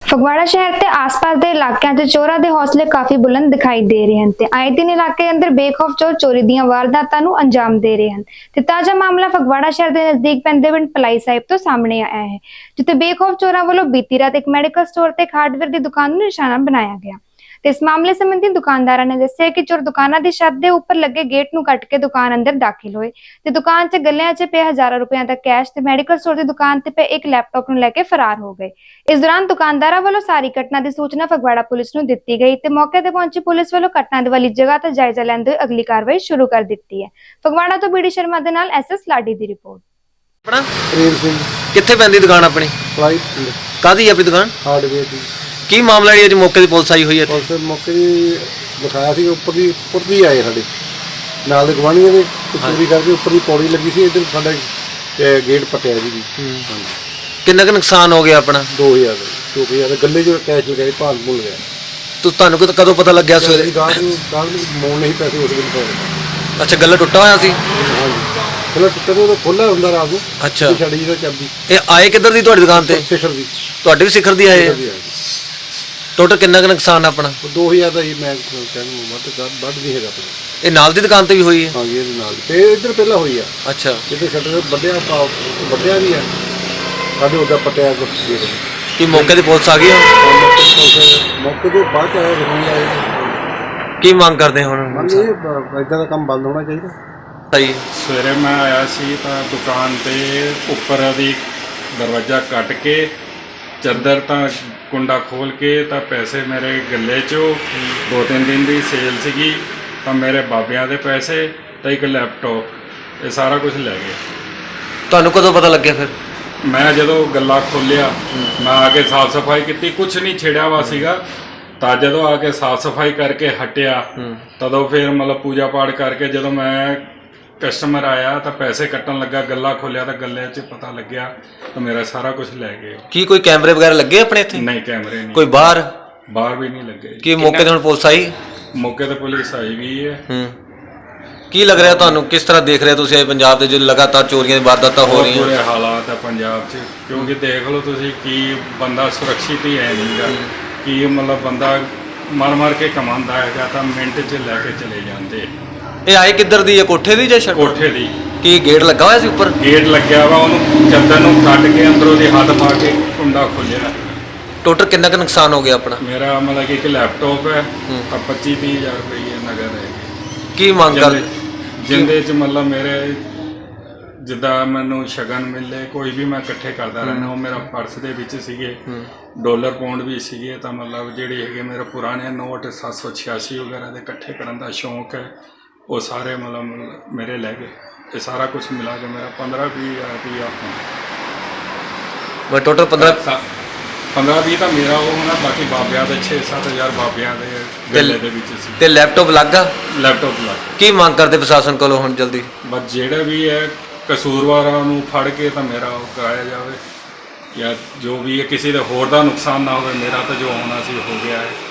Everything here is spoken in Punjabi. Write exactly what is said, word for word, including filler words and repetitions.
ਫਗਵਾੜਾ ਸ਼ਹਿਰ ਤੇ ਆਸ-ਪਾਸ ਦੇ ਇਲਾਕਿਆਂ 'ਚ ਚੋਰਾਂ ਦੇ ਹੌਸਲੇ ਕਾਫੀ ਬੁਲੰਦ ਦਿਖਾਈ ਦੇ ਰਹੇ ਹਨ ਤੇ ਆਏ ਦਿਨ ਇਲਾਕੇ ਅੰਦਰ ਬੇਖੌਫ ਚੋਰ ਚੋਰੀ ਦੀਆਂ ਵਾਰਦਾਤਾਂ ਨੂੰ ਅੰਜਾਮ ਦੇ ਰਹੇ ਹਨ ਤੇ ਤਾਜ਼ਾ ਮਾਮਲਾ ਫਗਵਾੜਾ ਸ਼ਹਿਰ ਦੇ ਨਜ਼ਦੀਕ ਪੈਂਦੇ ਪਿੰਡ ਪਲਾਈ ਸਾਹਿਬ ਤੋਂ ਸਾਹਮਣੇ ਆਇਆ ਹੈ, ਜਿੱਥੇ ਬੇਖੌਫ ਚੋਰਾਂ ਵੱਲੋਂ ਬੀਤੀ ਰਾਤ ਇੱਕ ਮੈਡੀਕਲ ਸਟੋਰ ਤੇ ਇੱਕ ਹਾਰਡਵੇਅਰ ਦੀ ਦੁਕਾਨ ਨੂੰ ਨਿਸ਼ਾਨਾ ਬਣਾਇਆ ਗਿਆ। ਤੇ ਇਸ ਮਾਮਲੇ ਸੰਬੰਧੀ ਦੁਕਾਨਦਾਰਾਂ ਨੇ ਦੱਸਿਆ ਕਿ ਚੋਰ ਦੁਕਾਨਾਂ ਦੀ ਛੱਤ ਦੇ ਉੱਪਰ ਲੱਗੇ ਗੇਟ ਨੂੰ ਕੱਟ ਕੇ ਦੁਕਾਨ ਅੰਦਰ ਦਾਖਲ ਹੋਏ ਤੇ ਦੁਕਾਨ 'ਚ ਗੱਲਿਆਂ 'ਚ ਪਏ ਹਜ਼ਾਰਾਂ ਰੁਪਈਆਂ ਦਾ ਕੈਸ਼ ਤੇ ਮੈਡੀਕਲ ਸਟੋਰ ਦੀ ਦੁਕਾਨ ਤੇ ਪਏ ਇੱਕ ਲੈਪਟਾਪ ਨੂੰ ਲੈ ਕੇ ਫਰਾਰ ਹੋ ਗਏ। ਇਸ ਦੌਰਾਨ ਦੁਕਾਨਦਾਰਾਂ ਵੱਲੋਂ ਸਾਰੀ ਘਟਨਾ ਦੀ ਸੂਚਨਾ ਫਗਵਾੜਾ ਪੁਲਿਸ ਨੂੰ ਦਿੱਤੀ ਗਈ ਤੇ ਮੌਕੇ ਤੇ ਪਹੁੰਚੀ ਪੁਲਿਸ ਵੱਲੋਂ ਘਟਨਾ ਦੀ ਵਾਲੀ ਜਗ੍ਹਾ ਤੇ ਜਾਇਜ਼ਾ ਲੈਂਦੇ ਹੋਏ ਅਗਲੀ ਕਾਰਵਾਈ ਸ਼ੁਰੂ ਕਰ ਦਿੱਤੀ ਹੈ। ਫਗਵਾੜਾ ਤੋਂ ਬੀਡੀ ਸ਼ਰਮਾ ਦੇ ਨਾਲ ਐਸਐਸ ਲਾਡੀ ਦੀ ਰਿਪੋਰਟ। ਆਪਣਾ ਪ੍ਰੇਮ ਸਿੰਘ ਕਿੱਥੇ ਪੈਂਦੀ ਦੁਕਾਨ ਆਪਣੀ? ਪਲਾਈ ਕਾਹਦੀ ਹੈ ਆਪਣੀ ਦੁਕਾਨ? ਹਾਰਡਵੇਅਰ ਦੀ। ਕੀ ਮਾਮਲਾ ਜੀ ਅੱਜ ਮੌਕੇ ਦੀ ਪੁਲਿਸ ਆਈ ਹੋਈ ਹੈ? ਪੁਲਿਸ ਮੌਕੇ ਦੀ ਲਿਖਾਇਆ ਸੀ ਉੱਪਰ ਦੀ ਉੱਪਰ ਦੀ ਆਏ ਸਾਡੇ ਨਾਲ ਦੇ ਗਵਾਂਢੀਆਂ ਦੇ ਚੋਰੀ ਕਰਕੇ ਉੱਪਰ ਦੀ ਪੌੜੀ ਲੱਗੀ ਸੀ, ਇੱਧਰ ਸਾਡਾ ਗੇਟ ਪਟਿਆ ਜੀ। ਹਾਂਜੀ। ਕਿੰਨਾ ਕੁ ਨੁਕਸਾਨ ਹੋ ਗਿਆ ਆਪਣਾ? ਦੋ ਹਜ਼ਾਰ ਦੋ ਹਜ਼ਾਰ ਗੱਲੇ ਜੋ ਕੈਸ਼ ਲਗਾਏ ਭਾਲ ਭੁੱਲ ਗਿਆ। ਤੂੰ ਤੁਹਾਨੂੰ ਕਦੋਂ ਕਦੋਂ ਪਤਾ ਲੱਗਿਆ ਸਵੇਰੇ? ਗਾਹ ਨੂੰ ਗਾਹ ਨੂੰ ਮੋੜ ਨਹੀਂ ਪੈਸੇ ਉਸ ਦਿਨ ਪਾਉਣੇ। ਅੱਛਾ, ਗੱਲਾ ਟੁੱਟਾ ਹੋਇਆ ਸੀ? ਹਾਂਜੀ, ਪਹਿਲਾਂ ਟੁੱਟਾ ਉਹ ਖੋਲ੍ਹਾ ਹੁੰਦਾ ਰਾਤ ਨੂੰ। ਅੱਛਾ, ਛੜੀ ਦਾ ਚਾਬੀ। ਇਹ ਆਏ ਕਿੱਧਰ ਦੀ ਤੁਹਾਡੀ ਦੁਕਾਨ ਤੇ? ਸਿਖਰ ਦੀ। ਤੁਹਾਡੇ ਵੀ ਸਿਖਰ ਦੀ ਆਏ ਆ? ਟੋਟਲ ਕਿੰਨਾ ਕੁ ਨੁਕਸਾਨ ਆਪਣਾ? ਦੋ ਹਜ਼ਾਰ ਦਾ ਹੀ ਮੈਂ ਕਹਿੰਦਾ ਵੱਧ ਵੱਧ ਨਹੀਂ ਹੈਗਾ ਆਪਣਾ। ਇਹ ਨਾਲ ਦੀ ਦੁਕਾਨ ਤੇ ਵੀ ਹੋਈ ਹੈ? ਹਾਂਜੀ, ਇਹਦੇ ਨਾਲ ਤੇ ਇੱਧਰ ਪਹਿਲਾਂ ਹੋਈ ਆ। ਅੱਛਾ, ਜਿੱਥੇ ਸ਼ਟਰ ਵੱਡਿਆ ਵੱਡਿਆ ਵੀ ਆ ਸਾਡੇ ਉਹਦਾ ਪਟਿਆ ਕੁਛ। ਕੀ ਮੌਕੇ ਦੀ ਪੁਲਿਸ ਆ ਗਈ? ਮੌਕੇ ਤੋਂ ਬਾਅਦ ਆਇਆ ਜ਼ਰੂਰੀ ਆਏ। ਕੀ ਮੰਗ ਕਰਦੇ ਹੁਣ? ਇਹ ਇਦਾਂ ਦਾ ਕੰਮ ਬੰਦ ਹੋਣਾ ਚਾਹੀਦਾ। ਸਹੀ। ਸਵੇਰੇ ਮੈਂ ਆਇਆ ਸੀ ਤਾਂ ਦੁਕਾਨ ਤੇ ਉੱਪਰ ਦੀ ਦਰਵਾਜ਼ਾ ਕੱਟ ਕੇ ਚੱਦਰ ਤਾਂ ਕੁੰਡਾ ਖੋਲ ਕੇ ਤਾਂ ਪੈਸੇ ਮੇਰੇ ਗੱਲੇ 'ਚੋਂ ਦੋ ਤਿੰਨ ਦਿਨ ਦੀ ਸੇਲ ਸੀਗੀ ਤਾਂ ਮੇਰੇ ਬਾਬਿਆਂ ਦੇ ਪੈਸੇ ਤਾਂ ਇੱਕ ਲੈਪਟਾਪ ਇਹ ਸਾਰਾ ਕੁਝ ਲੈ ਗਏ। ਤੁਹਾਨੂੰ ਕਦੋਂ ਪਤਾ ਲੱਗਿਆ ਫਿਰ? ਮੈਂ ਜਦੋਂ ਗੱਲਾ ਖੋਲ੍ਹਿਆ ਮੈਂ ਆ ਕੇ ਸਾਫ਼ ਸਫਾਈ ਕੀਤੀ, ਕੁਛ ਨਹੀਂ ਛਿੜਿਆ ਵਾ ਸੀਗਾ। ਤਾਂ ਜਦੋਂ ਆ ਕੇ ਸਾਫ਼ ਸਫਾਈ ਕਰਕੇ ਹਟਿਆ ਤਦੋਂ ਫਿਰ ਮਤਲਬ ਪੂਜਾ ਪਾਠ ਕਰਕੇ ਜਦੋਂ ਮੈਂ ਕਸਟਮਰ ਆਇਆ ਤਾਂ ਪੈਸੇ ਕੱਟਣ ਲੱਗਾ, ਗੱਲਾ ਖੋਲਿਆ ਤਾਂ ਗੱਲੇ 'ਚ ਪਤਾ ਲੱਗਿਆ ਤਾਂ ਮੇਰਾ ਸਾਰਾ ਕੁਝ ਲੈ ਗਏ। ਕੀ ਕੋਈ ਕੈਮਰੇ ਵਗੈਰਾ ਲੱਗੇ ਆਪਣੇ ਇੱਥੇ? ਨਹੀਂ, ਕੈਮਰੇ ਨਹੀਂ। ਕੋਈ ਬਾਹਰ ਬਾਹਰ ਵੀ ਨਹੀਂ ਲੱਗੇ। ਕੀ ਮੌਕੇ ਤੇ ਹੁਣ ਪੁਲਿਸ ਆਈ? ਮੌਕੇ ਤੇ ਪੁਲਿਸ ਆਈ ਵੀ ਹੈ। ਹੂੰ, ਕੀ ਲੱਗ ਰਿਹਾ ਤੁਹਾਨੂੰ? ਕਿਸ ਤਰ੍ਹਾਂ ਦੇਖ ਰਹੇ ਤੁਸੀਂ ਪੰਜਾਬ ਦੇ ਜੋ ਲਗਾਤਾਰ ਚੋਰੀਆਂ ਦੀ ਵਾਰਦਾਤਾਂ ਹੋ ਰਹੀਆਂ? ਬੁਰੇ ਹਾਲਾਤ ਹੈ ਪੰਜਾਬ 'ਚ, ਕਿਉਂਕਿ ਦੇਖ ਲਓ ਤੁਸੀਂ ਕੀ ਬੰਦਾ ਸੁਰੱਖਿਅਤ ਹੀ ਹੈ ਨਹੀਂਗਾ। ਕੀ ਮਤਲਬ ਬੰਦਾ ਮਰ ਮਰ ਕੇ ਕਮਾਉਂਦਾ ਹੈਗਾ ਤਾਂ ਮਿੰਟ 'ਚ ਲੈ ਕੇ ਚਲੇ ਜਾਂਦੇ। ਇਹ ਆਏ ਕਿੱਧਰ ਦੀ ਹੈ? ਕੋਠੇ ਦੀ ਜਾਂ ਛੱਤ? ਕੋਠੇ ਦੀ। ਕੀ ਗੇਟ ਲੱਗਾ ਹੋਇਆ ਸੀ ਉੱਪਰ? ਗੇਟ ਲੱਗਿਆ ਵਾ, ਉਹਨੂੰ ਚੱਦਰ ਨੂੰ ਕੱਟ ਕੇ ਅੰਦਰੋਂ ਦੀ ਹੱਥ ਪਾ ਕੇ ਕੁੰਡਾ ਖੋਲ੍ਹਿਆ। ਟੋਟਲ ਕਿੰਨਾ ਕੁ ਨੁਕਸਾਨ ਹੋ ਗਿਆ ਆਪਣਾ? ਮੇਰਾ ਮਤਲਬ ਕਿ ਇੱਕ ਲੈਪਟਾਪ ਹੈ ਤਾਂ ਪੱਚੀ ਤੀਹ ਹਜ਼ਾਰ ਰੁਪਏ ਨਗਦ ਹੈਗੇ। ਕੀ ਮੰਗ ਕਰ? ਜਿੰਦੇ 'ਚ ਮਤਲਬ ਮੇਰੇ ਜਿੱਦਾਂ ਮੈਨੂੰ ਸ਼ਗਨ ਮਿਲੇ ਕੋਈ ਵੀ ਮੈਂ ਇਕੱਠੇ ਕਰਦਾ ਰਹਿਣਾ। ਉਹ ਮੇਰਾ ਪਰਸ ਦੇ ਵਿੱਚ ਸੀਗੇ, ਡਾਲਰ ਪਾਉਂਡ ਵੀ ਸੀਗੇ ਤਾਂ ਮਤਲਬ ਜਿਹੜੇ ਹੈਗੇ ਮੇਰੇ ਪੁਰਾਣੇ ਨੋਟ ਸੱਤ ਸੌ ਛਿਆਸੀ ਵਗੈਰਾ ਦੇ ਇਕੱਠੇ ਕਰਨ ਦਾ ਸ਼ੌਂਕ ਹੈ, ਉਹ ਸਾਰੇ ਮਤਲਬ ਮੇਰੇ ਲੈ ਗਏ। ਇਹ ਸਾਰਾ ਕੁਝ ਮਿਲਾ ਕੇ ਮੇਰਾ ਪੰਦਰਾਂ ਵੀਹ ਹਜ਼ਾਰ ਰੁਪਈਆ ਮੈਂ ਟੋਟਲ ਪੰਦਰਾਂ ਪੰਦਰਾਂ ਵੀਹ ਤਾਂ ਮੇਰਾ ਉਹ ਹੋਣਾ, ਬਾਕੀ ਬਾਬਿਆਂ ਦੇ ਛੇ ਸੱਤ ਹਜ਼ਾਰ ਬਾਬਿਆਂ ਦੇ ਗੱਲੇ ਦੇ ਵਿੱਚ ਸੀ। ਤੇ ਲੈਪਟਾਪ ਲੱਗਾ? ਲੈਪਟਾਪ ਲੱਗ। ਕੀ ਮੰਗ ਕਰਦੇ ਪ੍ਰਸ਼ਾਸਨ ਕੋਲੋਂ ਹੁਣ ਜਲਦੀ? ਬਸ ਜਿਹੜਾ ਵੀ ਹੈ ਕਸੂਰਵਾਰਾਂ ਨੂੰ ਫੜ ਕੇ ਤਾਂ ਮੇਰਾ ਉਹ ਕਰਾਇਆ ਜਾਵੇ, ਜਾਂ ਜੋ ਵੀ ਹੈ ਕਿਸੇ ਦੇ ਹੋਰ ਦਾ ਨੁਕਸਾਨ ਨਾ ਹੋਵੇ। ਮੇਰਾ ਤਾਂ ਜੋ ਹੋਣਾ ਸੀ ਹੋ ਗਿਆ ਹੈ।